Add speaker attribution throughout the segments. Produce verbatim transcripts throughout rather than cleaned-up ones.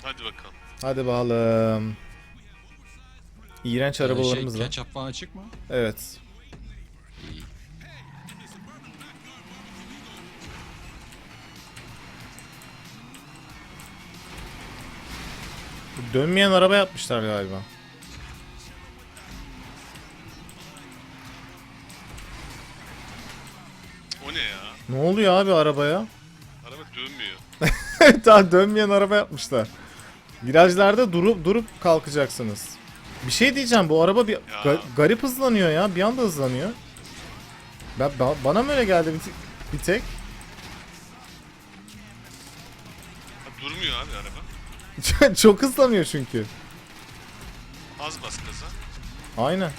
Speaker 1: Hadi bakalım.
Speaker 2: Hadi bakalım. İğrenç arabalarımız
Speaker 3: şey,
Speaker 2: var.
Speaker 3: Ketçap falan açık mı?
Speaker 2: Evet.
Speaker 3: İyi.
Speaker 2: Dönmeyen araba yapmışlar galiba.
Speaker 1: O ne ya?
Speaker 2: Ne oluyor abi arabaya?
Speaker 1: Araba dönmüyor.
Speaker 2: Daha dönmeyen araba yapmışlar. Virajlarda durup durup kalkacaksınız. Bir şey diyeceğim, bu araba bir ga- garip hızlanıyor ya. Bir anda hızlanıyor. Ben, ba- bana mı öyle geldi bir, t- bir tek?
Speaker 1: Ha, durmuyor abi araba.
Speaker 2: Çok hızlanıyor çünkü.
Speaker 1: Az bas gaza.
Speaker 2: Aynen.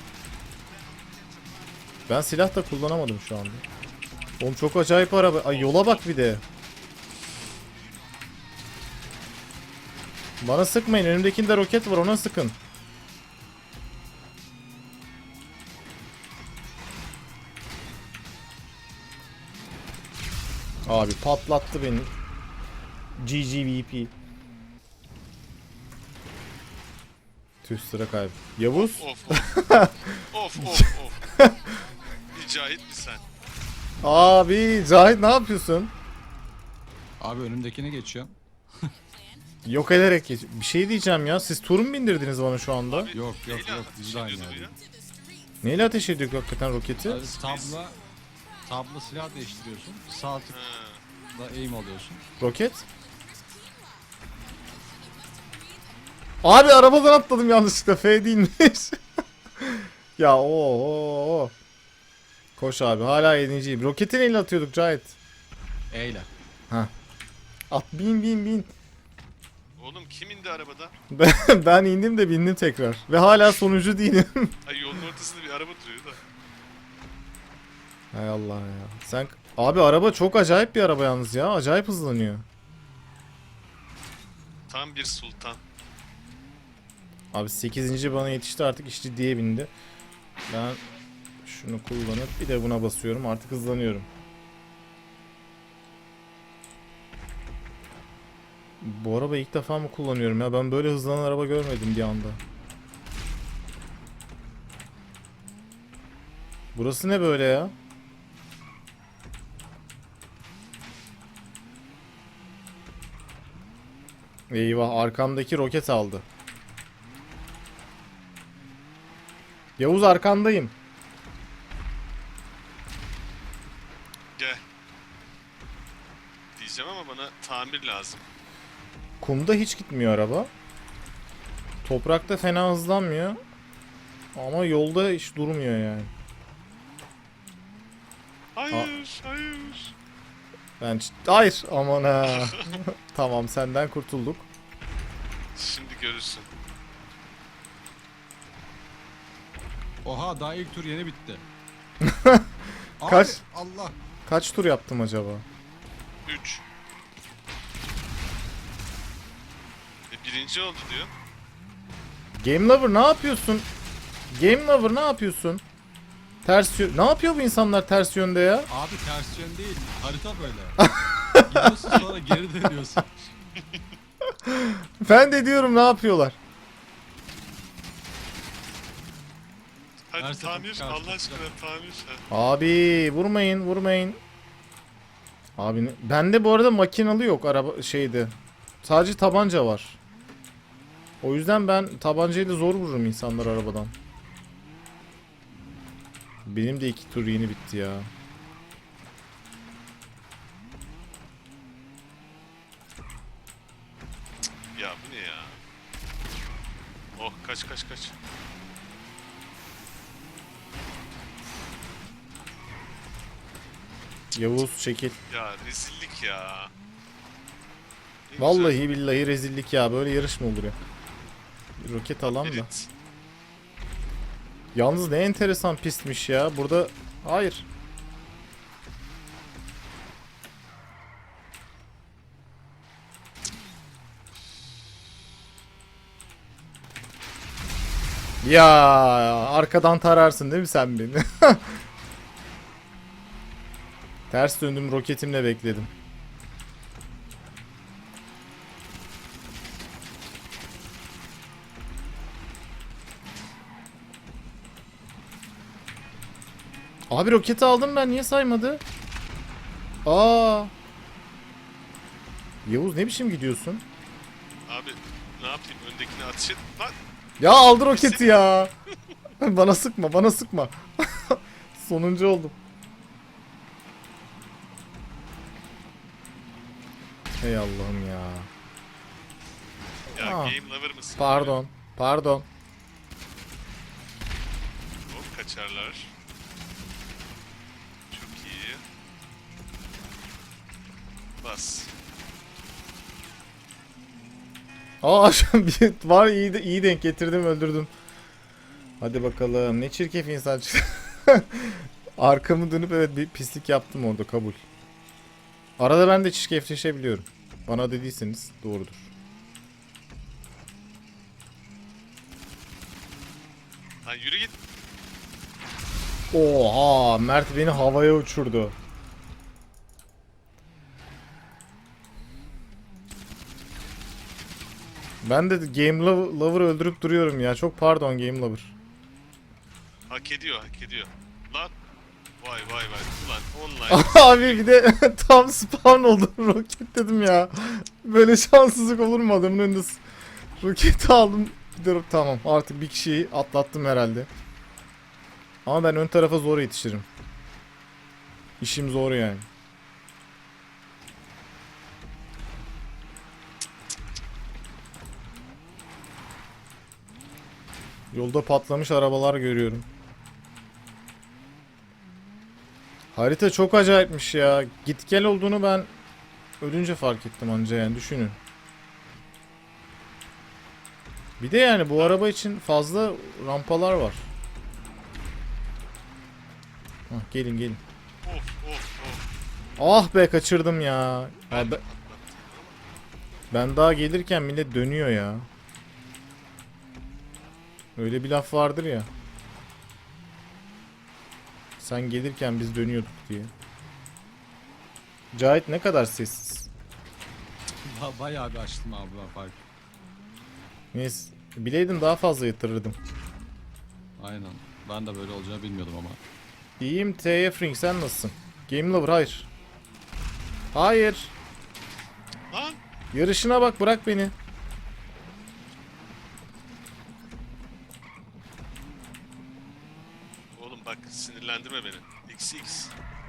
Speaker 2: Ben silah da kullanamadım şu anda. Oğlum çok acayip araba. Ay yola bak bir de. Bana sıkmayın. Önümdekinde roket var, ona sıkın. Abi patlattı beni. G G V P. Tüh, sıra kaybı. Yavuz.
Speaker 1: Of of. of of of. Bir Cahit mi sen?
Speaker 2: Abi Cahit ne yapıyorsun?
Speaker 3: Abi önümdekine geçiyorum.
Speaker 2: Yok ederek geç. Bir şey diyeceğim ya. Siz tur mu bindirdiniz bana şu anda?
Speaker 1: Abi,
Speaker 3: Yok yok
Speaker 1: neyle
Speaker 3: yok
Speaker 1: ateş
Speaker 3: biz de aynı
Speaker 1: ediyordu bu
Speaker 3: yerde.
Speaker 1: ya?
Speaker 2: Neyle ateş ediyor hakikaten roketi?
Speaker 3: Abi, tabla tabla silah değiştiriyorsun. Sağ
Speaker 1: Ha.
Speaker 3: tıkla aim alıyorsun.
Speaker 2: Roket? Abi arabadan atladım yanlışlıkla. F değilmiş. Ya o o o. Koş abi, hala yedinciyim. Roketi neyle atıyorduk Cahit?
Speaker 3: Eyle.
Speaker 2: At, bin bin bin.
Speaker 1: Oğlum kim indi arabada?
Speaker 2: Ben, ben indim de bindim tekrar. Ve hala sonuncu değilim.
Speaker 1: Ay yolun ortasında bir araba duruyor da.
Speaker 2: Hay Allah ya. Sen abi, araba çok acayip bir araba yalnız ya. Acayip hızlanıyor.
Speaker 1: Tam bir sultan.
Speaker 2: Abi sekizinci bana yetişti, artık iş ciddiye bindi. Ben şunu kullanıp bir de buna basıyorum, artık hızlanıyorum. Bu araba ilk defa mı kullanıyorum ya? Ben böyle hızlanan araba görmedim bir anda. Burası ne böyle ya? Eyvah, arkamdaki roket aldı. Yavuz, arkandayım.
Speaker 1: Gel. Diyeceğim ama bana tamir lazım.
Speaker 2: Kumda hiç gitmiyor araba. Toprakta fena hızlanmıyor. Ama yolda hiç durmuyor yani.
Speaker 1: Hayır, hayır.
Speaker 2: Ben ç- hayır, aman ha. Tamam, senden kurtulduk.
Speaker 1: Şimdi görürsün.
Speaker 3: Oha daha ilk tur yeni bitti.
Speaker 2: Kaç?
Speaker 3: Abi, Allah.
Speaker 2: Kaç tur yaptım acaba?
Speaker 1: üç. E, birinci oldu diyor.
Speaker 2: Game Lover ne yapıyorsun? Game Lover ne yapıyorsun? Ters yön... Ne yapıyor bu insanlar ters yönde ya?
Speaker 3: Abi ters yön değil. Harita böyle. Gidiyorsun sonra geri dönüyorsun.
Speaker 2: Ben de diyorum, ne yapıyorlar?
Speaker 1: Hadi
Speaker 3: Her sefer
Speaker 1: tamir,
Speaker 3: karşı
Speaker 1: Allah aşkına tamir. Ha.
Speaker 2: Abi vurmayın, vurmayın. Abi ne- bende bu arada makinalı yok araba şeydi. Sadece tabanca var. O yüzden ben tabancayla zor vururum insanlar arabadan. Benim de iki tur yeni bitti ya.
Speaker 1: Ya bu ne ya? Oh, kaç kaç kaç.
Speaker 2: Yavuz çekil.
Speaker 1: Ya rezillik ya. Ne
Speaker 2: Vallahi billahi rezillik ya. Böyle yarış mı olur ya? Bir roket alan
Speaker 1: güzel
Speaker 2: da.
Speaker 1: Erit.
Speaker 2: Yalnız ne enteresan pistmiş ya. Burada hayır. Ya arkadan tararsın değil mi sen beni? Ters döndüm, roketimle bekledim. Abi roketi aldım ben, niye saymadı? Aa. Yavuz ne biçim gidiyorsun?
Speaker 1: Abi ne yapayım, öndekini ateş et. Lan
Speaker 2: Ya aldı roketi ya. Bana sıkma, bana sıkma. Sonuncu oldum. Ey Allah'ım ya.
Speaker 1: ya
Speaker 2: Aa,
Speaker 1: game lover mısın?
Speaker 2: Pardon, pardon.
Speaker 1: Hop kaçarlar. Çok iyi. Bas.
Speaker 2: Aa şu an bir var, iyi de iyi denk getirdim, öldürdüm. Hadi bakalım, ne çirkef insan çıktı. Arkamı dönüp evet bir pislik yaptım orada, kabul. Arada ben de çirkefleşebiliyorum. Bana dediyseniz doğrudur.
Speaker 1: Lan yürü git.
Speaker 2: Oha, Mert beni havaya uçurdu. Ben de Game Lover, Lover öldürüp duruyorum ya. Çok pardon Game Lover.
Speaker 1: Hak ediyor, hak ediyor. Lan. Vay vay vay. Ulan online.
Speaker 2: Abi bir de tam spawn oldum, roket dedim ya. Böyle şanssızlık olur mu, adamın önünde s- roketi aldım. Bir de tamam, artık bir kişiyi atlattım herhalde. Ama ben ön tarafa zor yetişirim. İşim zor yani. Yolda patlamış arabalar görüyorum. Harita çok acayipmiş ya. Git gel olduğunu ben ölünce fark ettim anca, yani düşünün. Bir de yani bu araba için fazla rampalar var. Hah, gelin gelin.
Speaker 1: Of of of.
Speaker 2: Ah be, kaçırdım ya.
Speaker 1: Ben
Speaker 2: Abi,
Speaker 1: de
Speaker 2: ben daha gelirken millet dönüyor ya. Öyle bir laf vardır ya. Sen gelirken biz dönüyorduk diye. Cahit ne kadar sessiz.
Speaker 3: Ba- Bayağı bir açtım abi ben fark.
Speaker 2: Neyse. Bileydim daha fazla yatırırdım.
Speaker 3: Aynen. Ben de böyle olacağını bilmiyordum ama.
Speaker 2: İyiyim T F Ring, sen nasılsın? Game Lover hayır. Hayır.
Speaker 1: Lan.
Speaker 2: Yarışına bak, bırak beni.
Speaker 1: Oğlum bak sinirlendirme beni. X X.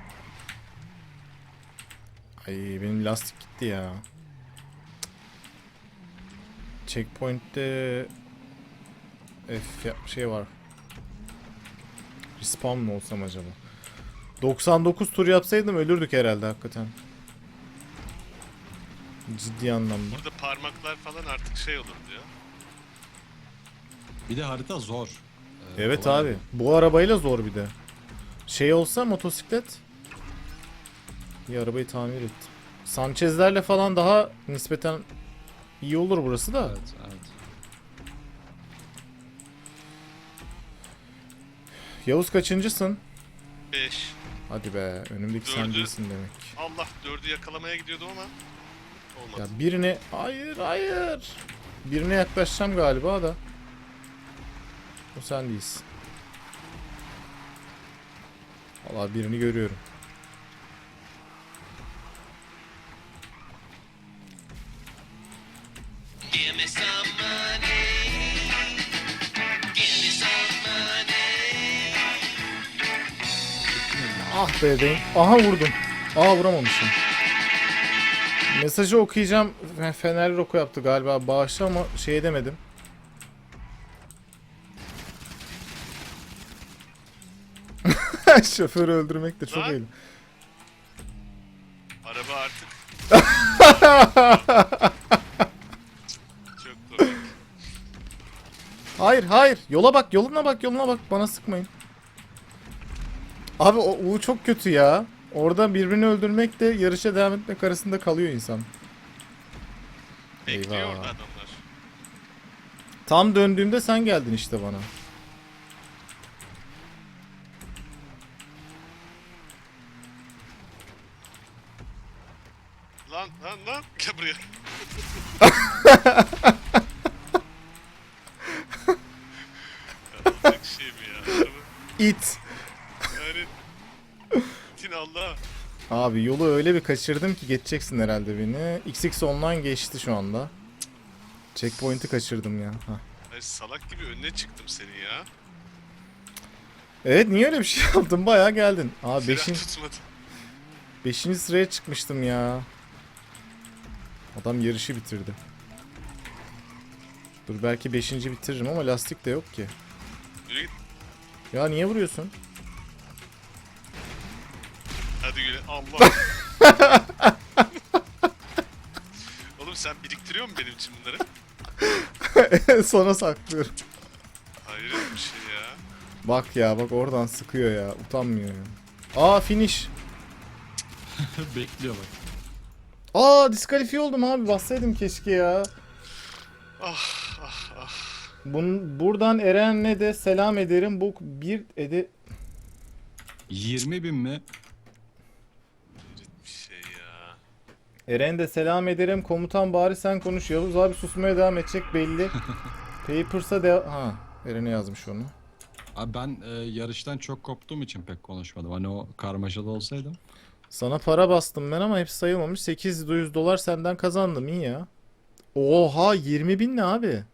Speaker 2: Ay benim lastik gitti ya. Checkpoint'te F ya- şey var. Respawn mı olsam acaba? doksan dokuz tur yapsaydım ölürdük herhalde hakikaten. Ciddi anlamda.
Speaker 1: Burada parmaklar falan artık şey olur diyor.
Speaker 3: Bir de harita zor. Ee,
Speaker 2: Evet
Speaker 3: kolay
Speaker 2: abi.
Speaker 3: değil.
Speaker 2: Bu arabayla zor bir de. Şey olsa motosiklet. Bir arabayı tamir ettim. Sanchez'lerle falan daha nispeten iyi olur burası da.
Speaker 3: Evet, evet.
Speaker 2: Yavuz kaçıncısın?
Speaker 1: beş.
Speaker 2: Hadi be, önümdeki sen
Speaker 1: Dördü.
Speaker 2: değilsin demek.
Speaker 1: Allah, dördü yakalamaya gidiyordum ama olmadı.
Speaker 2: Ya birine hayır hayır. Birine yaklaşacağım galiba da. O sen değilsin. Vallahi birini görüyorum.
Speaker 4: Give me some money. Give me some money.
Speaker 2: Ah be denk. Aha vurdum. Aa vuramamışım. Mesajı okuyacağım. Fe- Fenerli Roko yaptı galiba. Bağışla ama şey edemedim. Şoförü öldürmek de çok
Speaker 1: Lan.
Speaker 2: iyi.
Speaker 1: Araba artık. Çok komik.
Speaker 2: Hayır hayır. Yola bak, yoluna bak, yoluna bak. Bana sıkmayın. Abi o U çok kötü ya. Orada birbirini öldürmek de yarışa devam etmek arasında kalıyor insan.
Speaker 1: Bekliyor
Speaker 2: Eyvah.
Speaker 1: orada adamlar.
Speaker 2: Tam döndüğümde sen geldin işte bana.
Speaker 1: Lan lan lan. Gel buraya. Ya, olacak şey mi ya? Araba-
Speaker 2: İt.
Speaker 1: Yani
Speaker 2: Abi yolu öyle bir kaçırdım ki geçeceksin herhalde beni. X X online geçti şu anda. Checkpoint'i kaçırdım ya. Hah.
Speaker 1: Ay salak gibi önüne çıktım senin ya.
Speaker 2: Evet, niye öyle bir şey yaptın? Bayağı geldin. Abi
Speaker 1: Fren
Speaker 2: beşin,
Speaker 1: tutmadı.
Speaker 2: beşinci sıraya çıkmıştım ya. Adam yarışı bitirdi. Dur belki beşinci bitiririm ama lastik de yok ki.
Speaker 1: Yürü git.
Speaker 2: Ya niye vuruyorsun?
Speaker 1: Hadi güle. Allah. Oğlum sen biriktiriyor musun benim için bunları?
Speaker 2: Sonra saklıyorum.
Speaker 1: Hayret bir şey ya.
Speaker 2: Bak ya, bak oradan sıkıyor ya. Utanmıyor ya. Aa, finish.
Speaker 3: Bekliyor bak.
Speaker 2: Aa, diskalifiye oldum abi. Bassaydım keşke ya.
Speaker 1: Ah ah ah.
Speaker 2: Bun, buradan Eren'le de selam ederim. Bu bir ede...
Speaker 3: yirmi bin mi?
Speaker 1: Hayret bir şey ya.
Speaker 2: Eren de selam ederim. Komutan bari sen konuş. Yavuz abi susmaya devam edecek belli. Papers'a de... Ha, Eren'e yazmış onu.
Speaker 3: Abi ben e, yarıştan çok koptuğum için pek konuşmadım. Hani o karmaşada olsaydım.
Speaker 2: Sana para bastım ben ama hepsi sayılmamış. sekiz yüz dolar senden kazandım, iyi ya. Oha, yirmi bin ne abi?